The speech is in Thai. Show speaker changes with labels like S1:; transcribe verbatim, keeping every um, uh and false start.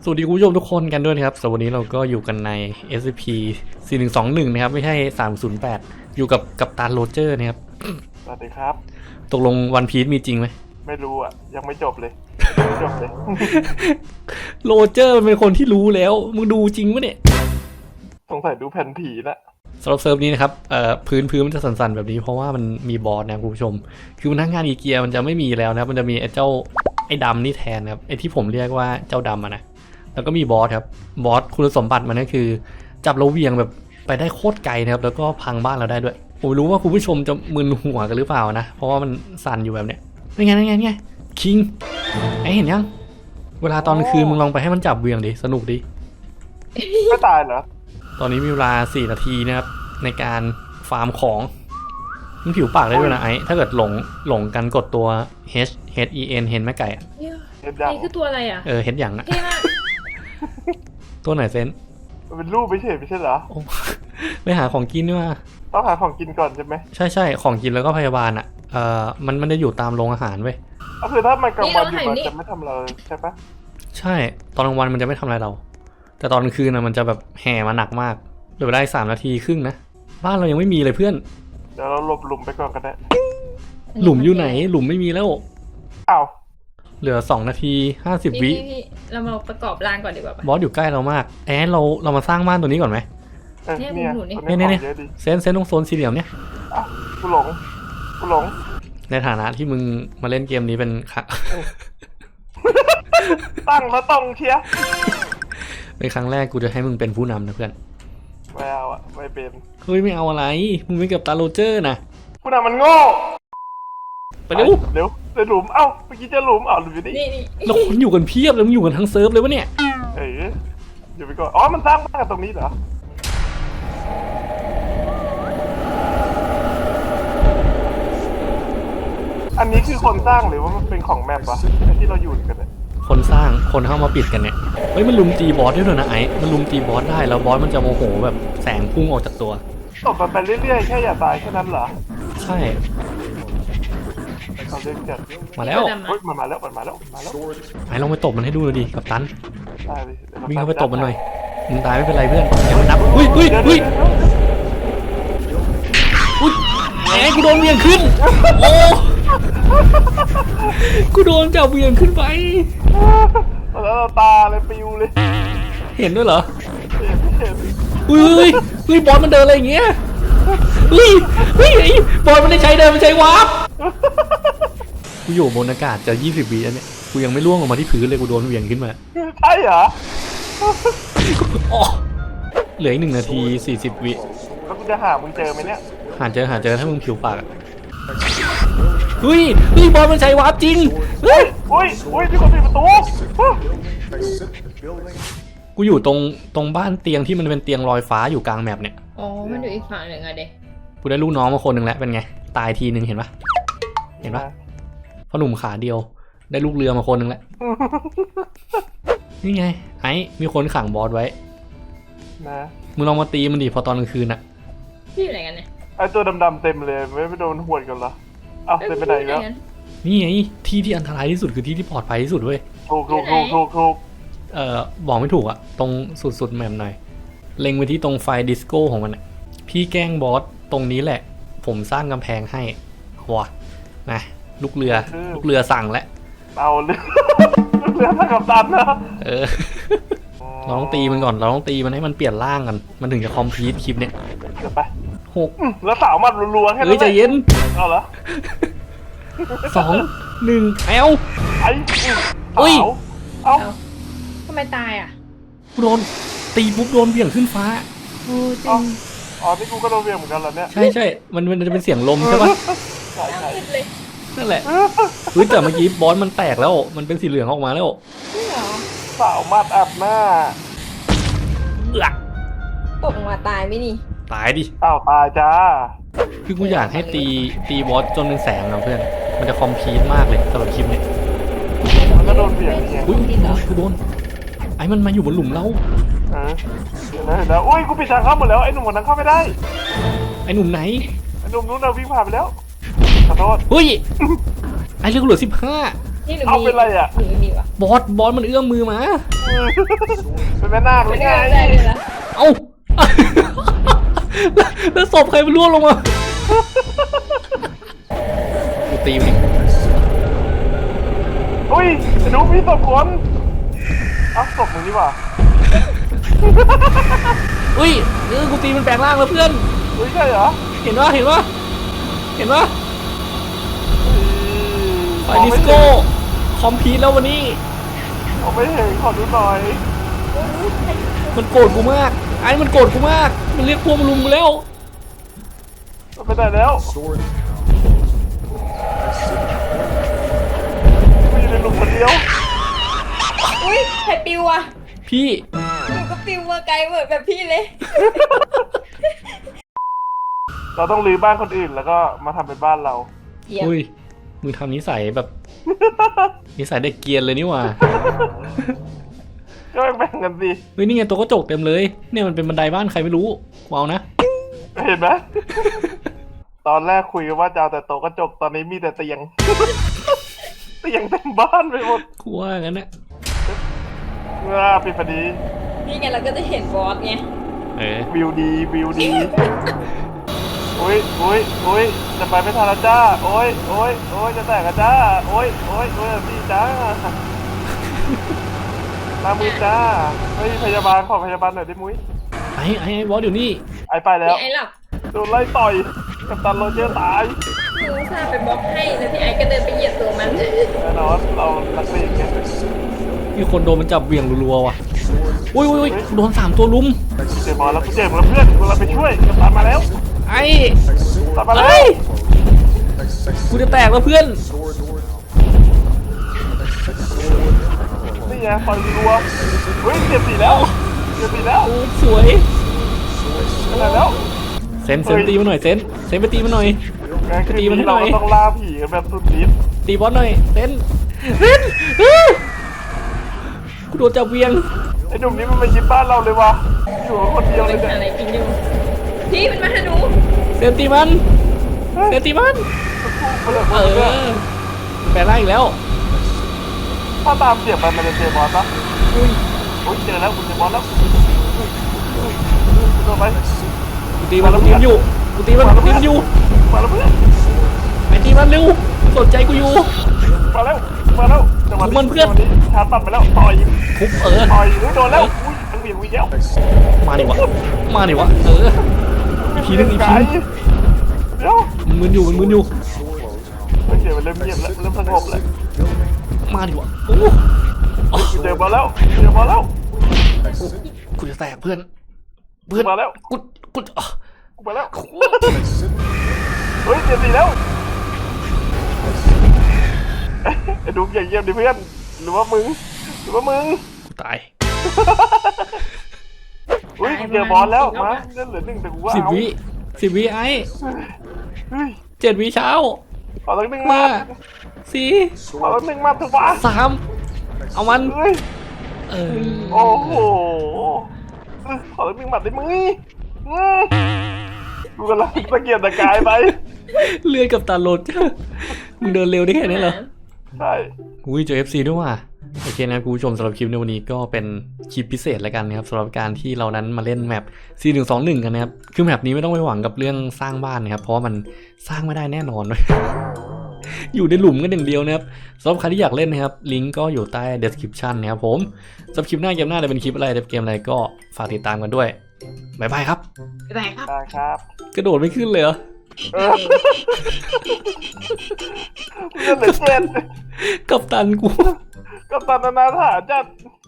S1: สวัสดีคุณผู้ชมทุกคนกันด้วยนะครับสวัสดีเราก็อยู่กันใน เอส ซี พี สี่หนึ่งสองหนึ่ง นะครับไม่ใช่สามศูนย์แปดอยู่กับกัปตันโรเจอร์นะครับ
S2: สวัสดีครับ
S1: ตกลงวันพีซมีจริงไหม
S2: ไม่รู้อ่ะยังไม่จบเลยยังไม่จบเลย
S1: โรเจอร์เป็นคนที่รู้แล้วมึงดูจริงปะเนี่ย
S2: สงสัยดูแผ่นผีละ
S1: สำหรับเซิร์ฟนี้นะครับเอ่อพื้นพื้นมันจะสั่นๆแบบนี้เพราะว่ามันมีบอสนะคุณผู้ชมคือพนักงานอีเกียมันจะไม่มีแล้วนะมันจะมีไอ้เจ้าไอ้ดำนี่แทนครับไอ้ที่ผมเรียกว่าเจ้าดำอะนะแล้วก็มีบอสครับบอสคุณสมบัติมันก็คือจับเราเวียงแบบไปได้โคตรไกลนะครับแล้วก็พังบ้านเราได้ด้วยผมรู้ว่าคุณผู้ชมจะมึนหัวกันหรือเปล่านะเพราะว่ามันสั่นอยู่แบบเนี้ยนี่ไงนี่ไงนี่ไงคิงไอ้เห็นยังเวลาตอนคืนมึงลองไปให้มันจับเวียงดิสนุกดิ
S2: ไม่ตายเหรอ
S1: ตอนนี้มีเวลาสี่นาทีนะครับในการฟาร์มของมันผิวปากได้ด้วยนะไอ้ถ้าเกิดหลงหลงกันกดตัว H H E N เห็นไหมไก่อะ
S3: นี่คือตัวอะไรอ่ะ
S1: เออเห็นอย่างอะตัวไหนเซน
S2: มันเป็นรูปไม่ใช่ไม่ใช่เหรอ
S1: ไปหาของกินด้วย
S2: ต้องหาของกินก่อนใช่ไหม
S1: ใช่ใช่ของกินแล้วก็พยาบาลอ่ะเออมันมันจะอยู่ตามโรงอาหารเว้ย
S2: ก็คือถ้ามันกลางวันอยู่มันจะไม่ทำเราใช่ปะ
S1: ใช่ตอนกลางวันมันจะไม่ทำอะไรเราแต่ตอนกลางคืนนะมันจะแบบแห่มาหนักมากเหลือได้สามนาทีครึ่งนะบ้านเรายังไม่มีเลยเพื่อน
S2: เดี๋ยวเราหลบหลุมไปก่อนกันได้
S1: หลุมอยู่ไหนหลุมไม่มีแล้ว
S2: อ้าว
S1: เหลือสองนาทีห้าสิบวิ
S3: เรามาประกอบรางก่อนดีกว่า
S1: บอสอยู่ใกล้เรามากแอนเราเรามาสร้างบ้านตัวนี้ก่อนไหม
S2: เนี่ยเนี่ย
S1: เนี่ยเซนเซนตรงโซนสี่เหลี่ยมเนี่ย
S2: กูหลงกูหลง
S1: ในฐานะที่มึงมาเล่นเกมนี้เป็นค่ะ
S2: ตั้งแล้วต้องเชียร์
S1: เป็นครั้งแรกกูจะให้มึงเป็นผู้นำนะเพื่อน
S2: ไม่เอาอะไม่เป็น
S1: เฮ้ยไม่เอาอะไรมึงเป็นกับตาโรเจอร์นะ
S2: ผู้นำมันโง่
S1: ไปเร็ว
S2: เร็วในหลุมเอ้าเมื่อกี้จะหลุมอ้าวหลุมอยู่นี่
S1: เราคนอยู่กันเพียบเลยมึงอยู่กันทั้งเซิร์ฟเลยวะเนี่ย
S2: เอ้ยอยู่ไปก่อนอ๋อมันสร้างบ้านกันตรงนี้เหรออันนี้คือคนสร้างหรือว่ามันเป็นของแมปวะที่เราอยู่กันเนี่ย
S1: คนสร้างคนเข้ามาปิดกันเนี่ยเฮ้ยมันลุมตีบอสได้ด้วยนะไอ้มันลุมตีบอสได้แล้วบอสมันจะโมโหแบบแสงพุ่งออกจากตัว
S2: ตบมันไปเรื่อยๆแค่อย่าตายแค่นั้นเหรอ
S1: ใช่
S2: เขาเล่นจัด
S1: มาแล้ว
S2: เฮ้ยมันมาแล้วมันมาแล้วมาแล้ว
S1: ไอ้ลองไปตบมันให้ดูเลยดิกับตัน
S2: ได้เลย
S1: วิ่งเข้าไปตบมันหน่อยมึงตายไม่เป็นไรเพื่อนอย่ามันนับอุ้ยอุ้ยอุ้ยอุ้ยแหมกูโดนเวียงขึ้นโอ้กูโดนจับเวียงขึ้นไป
S2: แล้วตาเลยปิวเลย
S1: เห็นด้วยเหรอ
S2: เห็นเห็น
S1: อุ้ยอุ้ยบอลมันเดินอะไรอย่างเงี้ยอุ้ยอุ้ยบอลมันได้ใช้เดินมันใช้วาร์ปกูอยู่บนอากาศจะยี่สิบวิแล้วเนี่ยกูยังไม่ล่วงออกมาที่พื้นเลยกูโดนเวียงขึ้นมา
S2: ใช่เหรอ
S1: เหลืออีกหนึ่งนาทีสี่สิบวิ
S2: แล้วกูจะหามึงเจอไหมเนี่ย
S1: หาเจอหาเจอถ้ามึงผิวปากเฮ้ยเฮ้ยบอลมันใช้วาร์ปจริง
S2: เฮ้ยเฮ้ยเฮ้ยมีคนปิดประตู
S1: กูอยู่ตรงตรงบ้านเตียงที่มันเป็นเตียงลอยฟ้าอยู่กลางแมปเนี่ย
S3: อ๋อมันอยู่อีกฝั่งหนึ่งอะเด็ก
S1: กูได้ลูกน้องมาคนหนึ่งแล้วเป็นไงตายทีหนึ่งเห็นปะเห็นปะพ่อหนุ่มขาเดียวได้ลูกเรือมาคนหนึ่งแล้วนี่ไงไอ้มีคนขังบอสไว้
S2: นะ
S1: มึงลองมาตีมันดิพอตอนกลางคืนอะ
S3: พี่อยู่ไหนกันเนี่ย
S2: ไอตัวดำๆเต็มเลยไม่ไปโดนหวดกันเหรออ้าวเต็มไปไหนแล้ว
S1: นี่ไงที่ที่อันตรายที่สุดคือที่ที่ปลอดภัยที่สุดเว้ย
S2: ถูกถูกถูกถูกถูก
S1: เอ่อบอกไม่ถูกอะตรงสุดๆแมปหน่อยเล็งไปที่ตรงไฟดิสโก้ของมันอะพี่แกล้งบอสตรงนี้แหละผมสร้างกำแพงให้ว้านะลูกเรือลูกเรือสั่งแล้ว
S2: เอาเรือลูกเรือทำกับตันนะ
S1: เออเราต้องตีมันก่อนเราต้องตีมันให้มันเปลี่ยนร่างกันมันถึงจะคอมพลีทคลิปเนี้ย
S2: เดี๋ยวไป
S1: หก
S2: แล้วสาวมันรัวๆแค่นั้น
S1: เฮ้ยใจเย็น
S2: เอาเหรอ
S1: สองหนึ่งเอ้า
S2: ไอ้อุ้ยเอ้า
S3: ทำไมตายอ่ะ
S1: โดนตีปุ๊บโดนเบี่ยงขึ้นฟ้า
S3: โอ้จริง
S2: อ๋อที่กูก็โดนเบี่ยงเหมือนกันแล้วเนี่ย
S1: ใช่ใช่มันมันจะเป็นเสียงลมใช่ปะ
S2: ใช่ใช่
S1: นั่นแหละเฮ้ยแต่เมื่อกี้บอสมันแตกแล้วมันเป็นสีเหลืองออกมาแล้ว
S3: จริงเหรอ
S2: สาวมัดอับหน้า
S1: เอื้อ
S3: ตกมาตายไหมนี่
S1: ตายดิ
S2: อ้าวตายจ้า
S1: คือกูอยากให้ตีตีบอสจนเป็นแสงนะเพื่อนมันจะคอมพลีทมากเลยสำหรับคลิปนี้
S2: มันก็โดนเบี่ยงเนี่ย
S1: อุ้ยกูโดนไอ้มันมาอยู่บนหลุมเรา
S2: เออแล้วอุ้ยกูปิดทางเข้าหมดแล้วไอ้หนุ่มคนนั้นเข้าไม่ได้
S1: ไอ้หนุ่มไหน
S2: ไอ้หนุ่มนู้นเราวิ่งผ่านไปแล้วขอโทษ
S1: เฮ้ยไอ้เรื่องเหลือสิบห้า
S3: นี่หนู
S2: เอา
S3: มี
S2: เป็นไรอ่ะ
S3: หนูไม่มีวะ
S1: บอสบอสมันเอื้อมมือมา
S2: เป็นแม่นาคหรื
S3: ไม่
S2: อ
S3: ได้
S2: ไง
S3: ได้เลยละ
S1: เอ้า แล้วแล้วศพใครมันร่วงลงมากูตีมัน
S2: อุ้ยดูมีศพคนเอ้าศพมึงนี่หว่า
S1: อุ้ยเออกูตีมันแปลงร่างแล้วเพื่อน
S2: อุ้ยใช่เหรอ
S1: เห็นปะเห็นปะเห็นปะไฟ
S2: มอง
S1: ดิ
S2: ไม่
S1: สโก้ คอมพีทแล้ววันนี้
S2: มองไม่เห็นขอดูหน่อย
S1: มันโกรธกูมาก ไอ้มันโกรธกูมาก มันเรียกพวกมาลุมกูแล้ว
S2: มันไปไหนแล้วมีอยู่ในหลุมคนเดียว
S3: อุ้ยใครปิวอ่ะ
S1: พี่
S3: หนูก็ปิวมาไกลเหมือนแบบพี่เลย
S2: เราต้องรื้อบ้านคนอื่นแล้วก็มาทำเป็นบ้านเรา
S3: เยี่ยม
S1: อุ้ย มึงทำนิสัยแบบ นิสัยเด็กเกรียนเลยนี่หว่า
S2: ก็แบ่งกันสิ
S1: เฮ้ยนี่ไงตัวกระจกเต็มเลย เนี่ยมันเป็นบันไดบ้านใครไม่รู้กูเอานะ
S2: เห็นไหม ตอนแรกคุยกันว่าจะเอาแต่โต๊ะกระจกตอนนี้มีแต่เตียง เตียงเต็มบ้านไปหมด
S1: กูว่างั้นนะ
S2: อ่าปิดพอดี
S3: นี่ไงเราก็จะเห็นบอสไง
S1: เออ
S2: วิวดีวิวดี อุ้ยอุ้ยอุ้ยจะไปไม่ทันแล้วจ้า โอ้ยโอ้ยโอ้ยจะแตกกันจ้า โอ้ยโอ้ยโอ้ยพี่จ้ามามือจ้าเฮ้ยพยาบาลขอพยาบาลหน่อยได้มุ้ย
S1: ไอ้ไอ้ไอ้บอสอยู่นี่
S2: ไอไปแล้ว
S3: พี่ไอ้หลับ
S2: โดนไล่ต่อยกับตันโรเจอร์ตาย
S3: หนูสาไปบล็อกให้แล้วพี่ไอ้ก็เดินไปเหยียบตัวมัน
S2: แน่นอนเรานักเลงไง
S1: มีคนโดนมันจับเหวี่ยงรัวๆว่ะ อุ้ยอุ้ยอุ้ยโดนสามตัวลุม
S2: เจ็บบอลแล้วกูเจ็บแล้วเพื่อนเราไปช่วยกับตันมาแล้ว
S1: ไอ้
S2: ตันมาแล้
S1: ไอ้
S2: ว
S1: กูจะแตกแล้วเพื่อน
S2: นี่ไงต่อยรัวเฮ้ยเจ็บสีแล้วเจ็บสีแล้ว
S1: โอ้สวย
S2: ขนาดแล้ว
S1: เซนเซนตีมันหน่อยเซนเซนไปตีมันหน่อย
S2: งานคืน
S1: ตีมันให้
S2: นี้
S1: หน่
S2: เรา
S1: อย
S2: ก็ต้องล่าผีกันแบบสุดฤทธิ์
S1: ตีบอสหน่อยเซนเซนอ้ากูโดนจับเหวี่ยง
S2: ไอ้หนุ่มนี้มันมายึดบ้านเราเลยวะอยู่คนเดียวเล
S3: เป็
S2: ย
S3: น
S2: เนี่ย
S3: อะไรกินอยู่พี่มันมาหาหนู
S1: เซนตีมันเซนตีมัน
S2: มาเลย
S1: เอ
S2: มาเลย
S1: อแปลงร่างอีกแล้ว
S2: ถ้าตามเสียงไปมันจะเจอบอลปะ
S1: อุ้ย
S2: โอ้ยเจอแล้วคุณเจอบอลแล้วโดนไป
S1: กูตีมันกูตีมันอยู่กูตีมันกูตีมันอยู่
S2: มาแล้วเพื่อน
S1: ไปตีมันเร็วสนใจกูอยู่
S2: มาแล้วมาแล้วจังหวะ
S1: มันเพื่อน
S2: จังหวะนี้ชาร์จตัดไปแล้วต่อย
S1: ทุบเออ
S2: ต่อยอุ้ยโดนแล้วอุ้ยทั้งเบี่ยงวิ่งแล้ว
S1: มาดิวะมาดิวะเอออีกทีนึงอีกทีนึง
S2: เดี๋ยว
S1: มันมึนอยู่มันมึนอยู่
S2: ไม่เสียมันเริ่มเงียบแล้วเริ่มสงบแล้ว
S1: มาดิวะโอ้
S2: กูเจอบอลแล้วเจอบอลแล้ว
S1: กูจะแตกเพื่อนเพื่อน
S2: มาแล้ว
S1: กูกูอ่ะ
S2: กูไปแล้วเฮ้ยเจ็บสีแล้วไอ้ดูอย่าเยี่ยมดิเพื่อนหรือว่ามึงหรือว่ามึง
S1: กูตาย
S2: อุ้ยเจอบอลแล้วมาเล่นเหลือหนึ่งแต่กูว่า
S1: สิบ
S2: เอา
S1: วิสิบวิไอ้
S2: เฮ้ย
S1: เจ็ดวิเช้า
S2: ขอตั้งหนึ่ง
S1: ห้า
S2: มา
S1: สี่
S2: ขอตั้งหนึ่งมาถูกปะ
S1: สามเอามัน
S2: เฮ้ย
S1: เออ
S2: โอ้โหขอตั้งหนึ่งหมัดได้มึงอืมกูกำลังตะเกียบตะกายไป
S1: เลื่อยกับตาลดมึงเดินเร็วได้แค่นี้เหรอ
S2: ใช่
S1: อุ้ยเจอ เอฟ ซี ด้วยว่ะโอเคนะคุณผู้ชมสำหรับคลิปในวันนี้ก็เป็นคลิปพิเศษแล้วกันนะครับสำหรับการที่เรานั้นมาเล่นแมป ซี หนึ่ง สอง หนึ่ง กันนะครับคือแมปนี้ไม่ต้องไปหวังกับเรื่องสร้างบ้านนะครับเพราะว่ามันสร้างไม่ได้แน่นอน อยู่ในหลุมกันอย่างเดียวนะครับสำหรับใครที่อยากเล่นนะครับลิงก์ก็อยู่ใต้ description นะครับผมสำหรับคลิปหน้าเกมหน้าจะเป็นคลิปอะไรจะเป็นเกมอะไรก็ฝากติดตามกันด้วยบ๊ายบายครับ
S3: ไปไหนครับ
S2: ได้ครับ
S1: กระโดดไม่ขึ้นเลยเหรอ
S2: เออเงินเหลือเจ็ด
S1: กับตันกู
S2: กับตันนานาถาจัด